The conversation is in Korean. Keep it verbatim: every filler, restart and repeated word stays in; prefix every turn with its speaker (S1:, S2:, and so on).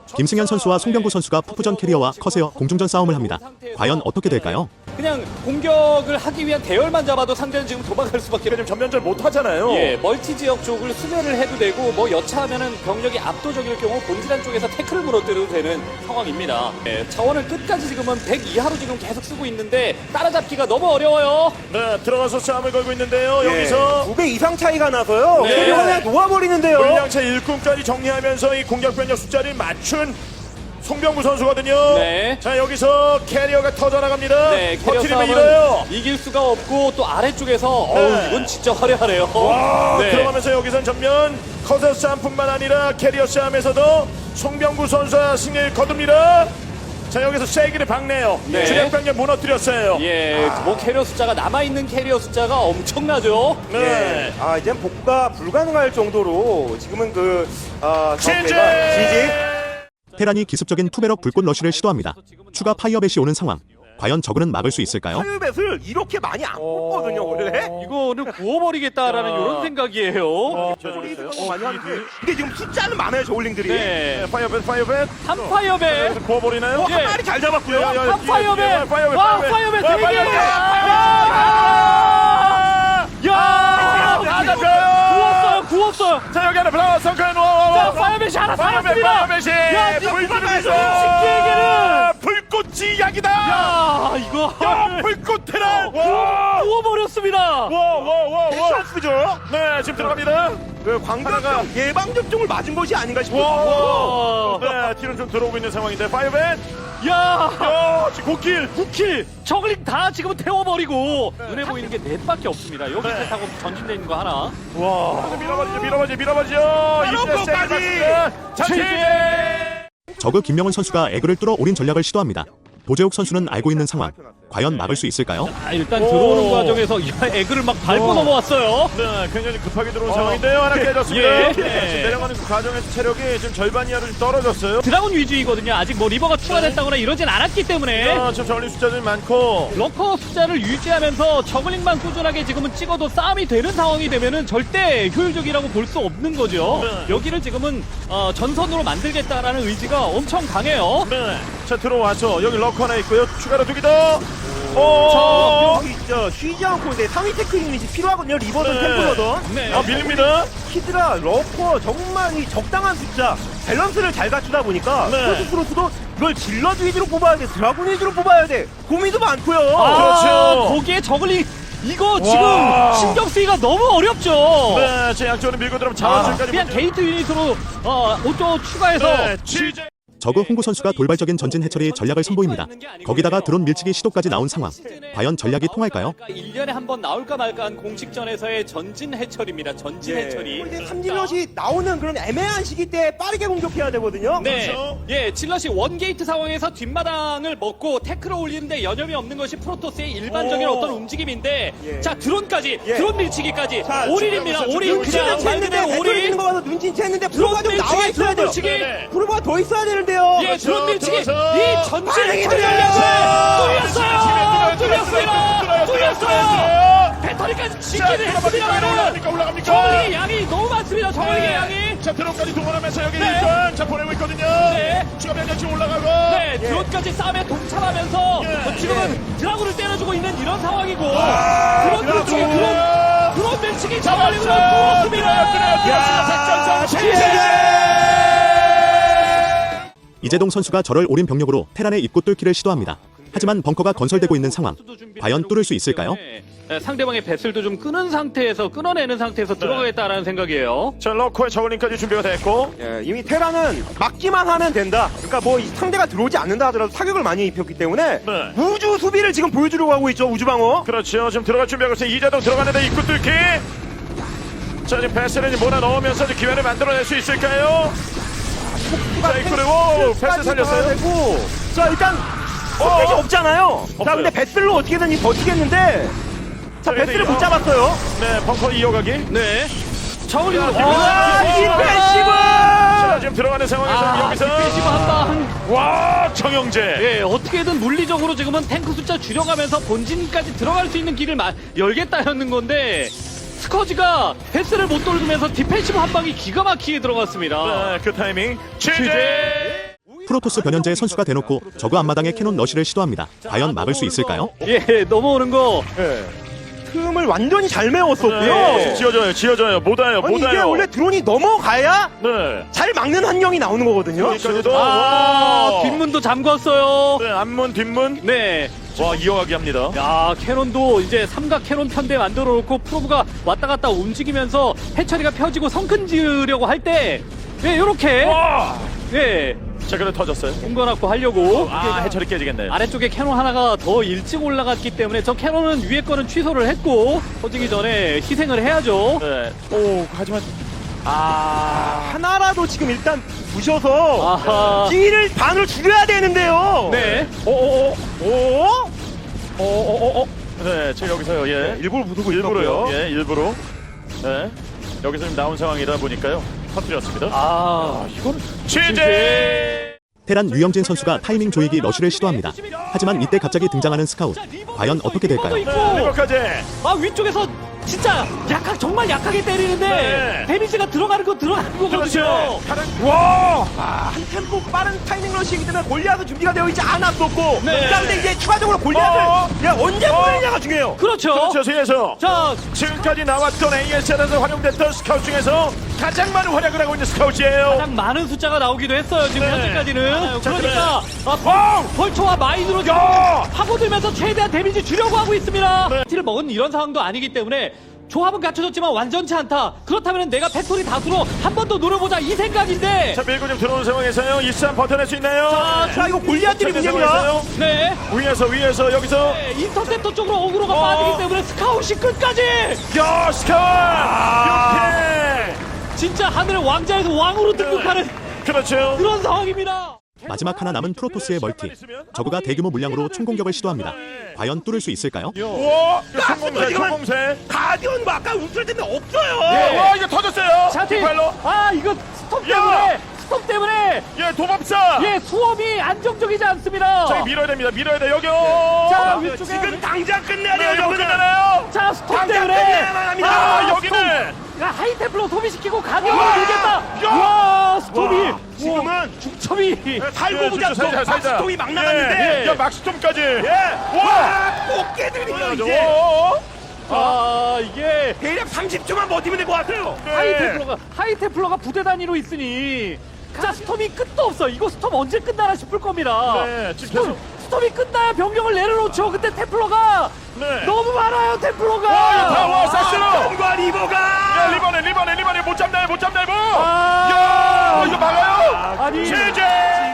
S1: 김승현 선수와 송병구 선수가 푸푸전 캐리어와 커세어 공중전 싸움을 합니다. 과연 어떻게 될까요?
S2: 그냥 공격을 하기 위한 대열만 잡아도 상대는 지금 도망갈 수밖에
S3: 지금 전면전 못 하잖아요.
S2: 예, 멀티 지역 쪽을 수멸을 해도 되고 뭐 여차하면은 병력이 압도적일 경우 본진한 쪽에서 태클을 무너뜨려도 되는 상황입니다. 예, 자원을 끝까지 지금은 백 이하로 지금 계속 쓰고 있는데 따라잡기가 너무 어려워요.
S3: 네, 들어가서 싸움을 걸고 있는데요.
S4: 예,
S3: 여기서
S4: 두 배 이상 차이가 나서요.
S2: 네.
S4: 캐리어가 그냥 놓아버리는데요.
S3: 물량차 일꾼까지 정리하면서 이 공격 병력 숫자를 맞춘 송병구 선수거든요.
S2: 네.
S3: 자, 여기서 캐리어가 터져나갑니다.
S2: 네, 캐리어
S3: 버티면
S2: 싸움은
S3: 이겨요.
S2: 이길 수가 없고 또 아래쪽에서
S3: 네.
S2: 어우 이건 진짜 화려하네요.
S3: 와,
S2: 네.
S3: 들어가면서 여기선 전면 커서 싸움뿐만 아니라 캐리어 싸움에서도 송병구 선수가 승리를 거둡니다. 자, 여기서 세기를 박네요.
S2: 네.
S3: 주력 병력 무너뜨렸어요.
S2: 예, 뭐 캐리어 숫자가 남아있는 캐리어 숫자가 엄청나죠.
S3: 네.
S4: 예. 아, 이제 복구가 불가능할 정도로 지금은 그 아,
S3: 지지!
S4: 지지.
S1: 테란이 기습적인 투베럭 불꽃 러쉬를 시도합니다. 추가 파이어벳이 오는 상황. 과연 저그는 막을 수 있을까요?
S4: 파이어벳을 이렇게 많이 안 뽑거든요, 원래.
S2: 이거는 구워버리겠다라는 이런 생각이에요.
S4: 어, 많이 하는데 이게 지금 숫자는 많아요, 저울링들이.
S2: 네,
S3: 파이어벳, 파이어벳.
S2: 한파이어배.
S3: 여기서 구워버리나요?
S2: 예.
S4: 한 마리 잘 잡았고요.
S3: 야, 야,
S2: 한파이어배.
S3: 파이어벳,
S2: 와,
S3: 파이어벳.
S2: 파이어벳
S3: 와,
S2: 되게.
S3: 파이어벳.
S2: 야,
S3: 아, 잡혀요.
S2: 구웠어요, 구웠어요.
S3: 자, 여기 하나 블라워 성큰 와,
S2: 자, 파이어벳이 하나 살았습니다.
S3: 파이어벳이
S2: 야,
S3: 불꽃이
S2: 식기에게는.
S3: 불꽃이 약이다.
S2: 야, 이거
S3: 야, 불꽃 테란. 와,
S2: 구워버렸습니다.
S3: 와, 와, 와, 와.
S4: 샷스죠?
S3: 네, 지금 들어갑니다.
S4: 그 광대가 예방 접종을 맞은 것이 아닌가 싶어요.
S2: 와,
S3: 네, 뒤로 좀 들어오고 있는 상황인데 파이어벳.
S2: 야,
S3: 야, 지금 고킬.
S2: 구 킬. 저글링 다 지금 태워버리고 눈에 보이는 게 넷밖에 없습니다. 여기
S3: 네.
S2: 타고 전진돼 있는 거 하나.
S3: 와, 밀어버리죠, 밀어버리죠, 밀어버리죠.
S4: 밀어버리까지.
S3: 자체.
S1: 저그 김명훈 선수가 에그를 뚫어 올인 전략을 시도합니다. 도재욱 선수는 알고 있는 상황. 과연 막을 수 있을까요?
S2: 아, 일단
S3: 오.
S2: 들어오는 과정에서 야, 에그를 막 밟고
S3: 오.
S2: 넘어왔어요.
S3: 네, 굉장히 급하게 들어온 상황인데요. 하나 깨졌습니다.
S2: 예.
S3: 네, 지금 내려가는 그 과정에서 체력이 지금 절반 이하로 좀 떨어졌어요.
S2: 드라곤 위주이거든요. 아직 뭐 리버가 추가됐다거나 이러진 않았기 때문에
S3: 아, 지금 전리 숫자들이 많고.
S2: 러커 숫자를 유지하면서 저글링만 꾸준하게 지금은 찍어도 싸움이 되는 상황이 되면은 절대 효율적이라고 볼 수 없는 거죠.
S3: 네.
S2: 여기를 지금은 어, 전선으로 만들겠다라는 의지가 엄청 강해요.
S3: 네, 자 들어와서 여기 럭커 하나 있고요. 추가로 두기 더.
S4: 저
S3: 오,
S4: 여기 저 쉬지 않고 이제 상위 테크 유닛이 필요하거든요. 리버든
S3: 네.
S4: 템플러든.
S2: 네.
S3: 아 밀립니다.
S4: 히드라, 러커 정말 이 적당한 숫자 밸런스를 잘 갖추다 보니까
S3: 네.
S4: 포스프로스도 이걸 질럿 위주로 뽑아야 돼, 드라군 위주로 뽑아야 돼, 고민도 많고요.
S2: 아,
S3: 그렇죠.
S2: 거기에 저글링 이거
S3: 와.
S2: 지금 신경 쓰기가 너무 어렵죠.
S3: 네, 제 양쪽으로 밀고 들어오면
S2: 아,
S3: 자원줄까지.
S2: 그냥 게이트 유닛으로 어, 오토 추가해서
S3: 네, 취재.
S1: 저그 홍구 선수가 돌발적인 전진 해처리 전략을 선보입니다. 거기다가 드론 밀치기 시도까지 나온 상황. 과연 전략이 통할까요?
S2: 일 년에 한 번 나올까 말까한 공식전에서의 전진 해처리입니다. 전진 해처리.
S4: 근데 삼진럿이 나오는 그런 애매한 시기 때 빠르게 공격해야 되거든요.
S2: 네,
S3: 그렇죠.
S2: 예, 질럿이 원게이트 상황에서 뒷마당을 먹고 태클을 올리는데 여념이 없는 것이 프로토스의 일반적인
S3: 오.
S2: 어떤 움직임인데,
S4: 예.
S2: 자 드론까지,
S4: 예.
S2: 드론 밀치기까지,
S4: 자,
S2: 올인입니다.
S3: 지금
S2: 올인
S3: 눈치는
S2: 그냥 말
S4: 눈치챘는데
S2: 그대로
S4: 배터리
S2: 올인.
S4: 있는 거 봐서 눈치챘는데 프로가 좀 나와
S2: 밀치기,
S4: 있어야
S2: 드론
S4: 돼요.
S2: 밀치기.
S3: 네.
S4: 프로가 더 있어야 되는데요.
S2: 예,
S3: 그렇죠.
S2: 드론 밀치기.
S3: 들어서.
S2: 이 전진
S4: 반응이
S2: 해처리
S4: 들어가죠.
S2: 뚫렸어요. 뚫렸어요. 뚫렸어요. 배터리까지 지키는 했습니다만은
S3: 올라갑니까 올라갑니까?
S2: 저글링의 양이 너무 많습니다. 저글링의 양이.
S3: 자 드론까지 동원하면서 여기
S2: 네.
S3: 일단 자 보내고 있거든요.
S2: 네.
S3: 추가 변력 지금 올라가고.
S2: 네, 드론까지 싸움에 동참하면서
S3: 예.
S2: 지금은 드라군을 때려주고 있는 이런 상황이고
S3: 아,
S2: 드론
S3: 드라군.
S2: 밀치기, 드론, 드론 밀치기 잡아내고
S3: 들어왔어요.
S2: 들어왔습니다.
S3: 야,
S1: 이재동 선수가 저럴 올인 병력으로 테란의 입구 뚫기를 시도합니다. 하지만 벙커가 건설되고 있는 상황. 과연 뚫을 수 있을까요?
S2: 네, 상대방의 배슬도 좀 끄는 상태에서 끊어내는 상태에서 들어가겠다라는 생각이에요.
S3: 자 러커의 저글링까지 준비가 됐고.
S4: 예, 이미 테라는 막기만 하면 된다. 그러니까 뭐이 상대가 들어오지 않는다 하더라도 사격을 많이 입혔기 때문에
S3: 네.
S4: 우주 수비를 지금 보여주려고 하고 있죠. 우주 방어.
S3: 그렇죠. 지금 들어갈 준비하고 있어요. 이재동 들어가는데 입구 뚫기. 자 지금 패스를 몰아 넣으면서 이제 기회를 만들어낼 수 있을까요? 자 입구를 오 패스 살렸어요.
S4: 되고. 자 일단 선택이 없잖아요. 자
S3: 없어요.
S4: 근데 배슬로 어떻게든 이 버티겠는데. 자
S3: 그래도
S4: 배슬을
S3: 이거-
S4: 못 잡았어요.
S3: 네 벙커 이어가기.
S2: 네. 저글링으로
S4: 아,
S3: 디펜시브! 자
S4: 디펜시브.
S3: 지금 들어가는 상황에서
S2: 아,
S3: 여기서
S2: 디펜시브 한 방.
S3: 와 정영재.
S2: 예, 어떻게든 물리적으로 지금은 탱크 숫자 줄여가면서 본진까지 들어갈 수 있는 길을 마, 열겠다였는 건데 스커지가 패스를 못 돌면서 디펜시브 한 방이 기가 막히게 들어갔습니다.
S3: 네, 그 타이밍 취재.
S2: 취재.
S1: 프로토스 변현재 선수가 대놓고 저그 앞마당에 캐논 러시를 시도합니다. 과연 막을 수 있을까요?
S2: 예, 넘어오는 거.
S3: 네.
S4: 틈을 완전히 잘 메웠었고요.
S3: 네. 지어져요, 지어져요. 못 와요,
S4: 아니
S3: 못
S4: 이게
S3: 와요.
S4: 원래 드론이 넘어가야
S3: 네.
S4: 잘 막는 환경이 나오는 거거든요.
S3: 여기까지도.
S2: 아,
S3: 와.
S2: 뒷문도 잠궜어요.
S3: 네, 앞문, 뒷문.
S2: 네.
S3: 와, 이어가기 합니다.
S2: 야, 캐논도 이제 삼각 캐논 편대 만들어 놓고 프로브가 왔다 갔다 움직이면서 해처리가 펴지고 성큰 지으려고 할 때, 예, 요렇게,
S3: 와.
S2: 예,
S3: 자, 그래 터졌어요.
S2: 공간압고 하려고.
S3: 아, 해처리 깨지겠네.
S2: 아래쪽에 캐논 하나가 더 일찍 올라갔기 때문에 저 캐논은 위에 거는 취소를 했고, 터지기 전에 희생을 해야죠.
S3: 네. 오, 하지만
S4: 아 하나라도 지금 일단 부셔서
S2: 아하.
S4: 길을 반을 줄여야 되는데요.
S2: 네.
S3: 오오오.
S4: 오?
S3: 오오오오. 네, 지금 여기서요. 예.
S4: 일부러 부수고
S3: 일부러요.
S4: 있었고요.
S3: 예, 일부러. 네. 여기서 지금 나온 상황이다 보니까요. 터뜨렸습니다.
S2: 아, 이건
S3: 취재.
S1: 테란 유영진 선수가 타이밍 조이기 러시를 시도합니다. 하지만 이때 갑자기 등장하는 스카웃. 과연 어떻게 될까요?
S3: 네, 리버까지.
S2: 아, 위쪽에서 진짜 약하, 정말 약하게 때리는데
S3: 네.
S2: 데미지가 들어가는 거 들어가는 거거든요.
S3: 그렇죠. 가는. 와.
S4: 아, 한 템포 빠른 타이밍 러시이기 때문에 골리앗은 준비가 되어 있지 않았었고
S2: 네.
S4: 그다음에 이제 추가적으로 골리앗을
S3: 어.
S4: 야, 언제
S3: 어.
S4: 보내냐가 중요해요.
S2: 그렇죠.
S3: 그렇죠. 세에서
S2: 자,
S3: 지금까지 나왔던 에이에스엘에서 활용됐던 스카우트 중에서 가장 많은 활약을 하고 있는 스카우트예요.
S2: 가장 많은 숫자가 나오기도 했어요. 지금
S3: 네.
S2: 현재까지는.
S3: 자,
S2: 그러니까 아,
S3: 와우.
S2: 벌초와 마인으로 지금
S3: 야.
S2: 파고들면서 최대한 데미지 주려고 하고 있습니다.
S3: 네.
S2: 티를 먹은 이런 상황도 아니기 때문에 조합은 갖춰졌지만 완전치 않다. 그렇다면 내가 팩토리 다수로 한 번 더 노려보자 이 생각인데.
S3: 자, 밀고 좀 들어오는 상황에서요. 이 싸움 버텨낼 수 있나요?
S2: 자,
S4: 자, 이거 골리앗들이
S3: 자,
S4: 문제입니다.
S3: 상황에서요.
S2: 네.
S3: 위에서 위에서 여기서
S2: 네, 인터셉터 쪽으로 어그로가
S3: 어.
S2: 빠지기 때문에 스카웃이 끝까지
S3: 야 스카우트 이렇게
S2: 진짜 하늘의 왕자에서 왕으로 등극하는
S3: 그렇죠.
S2: 그런 상황입니다.
S1: 마지막 하나 남은 프로토스의 멀티. 저그가 대규모 물량으로 총공격을 시도합니다. 과연 뚫을 수 있을까요?
S3: 와 성공세
S4: 지금은
S3: 성공세.
S4: 가디언 뭐 아까 울트라 때문에 없어요.
S3: 예. 와 이거 터졌어요.
S2: 샤티
S3: 디팔로.
S2: 아 이거 스톱
S3: 야.
S2: 때문에 스톱 때문에
S3: 예 도법사.
S2: 예 수업이 안정적이지 않습니다.
S3: 저기 밀어야 됩니다. 밀어야 돼 여기.
S2: 자,
S3: 어.
S2: 위쪽에
S4: 지금 당장 끝내야
S3: 네,
S4: 돼요.
S3: 이거
S4: 저거는.
S3: 끝나나요?
S2: 자 스톱
S4: 당장
S2: 때문에
S4: 끝내야만 합니다.
S3: 아 여기는.
S2: 스톱. 야, 하이테플로 소비시키고 가격을
S3: 와.
S2: 밀겠다.
S3: 야.
S2: 와 스톱이
S4: 와, 지금은
S2: 중첩이
S4: 살고
S3: 예,
S4: 보자.
S3: 진짜 살자, 살자.
S4: 막스톰이 막 나갔는데.
S3: 예. 야 막스톰까지.
S4: 예.
S3: 와.
S4: 와, 꽃게들이요 이제.
S3: 오.
S2: 아 이게
S4: 대략 삼십 초만 버티면 될 것 같아요.
S3: 네.
S2: 하이테플러가 하이테플러가 부대 단위로 있으니 자 스톰이 끝도 없어. 이거 스톰 언제 끝나나 싶을 겁니다.
S3: 네, 지금
S2: 스톰,
S3: 계속.
S2: 스톰이 끝나야 병력을 내려놓죠. 근데 테플러가
S3: 네.
S2: 너무 많아요. 테플러가.
S3: 와, 이거 다 와, 싹스로.
S4: 과 리버가.
S3: 야 리버네 리버네 리버네 못 잡나요 못 잡나요 뭐.
S2: 아.
S3: 야 이거 막아요.
S2: 아니
S3: 제재.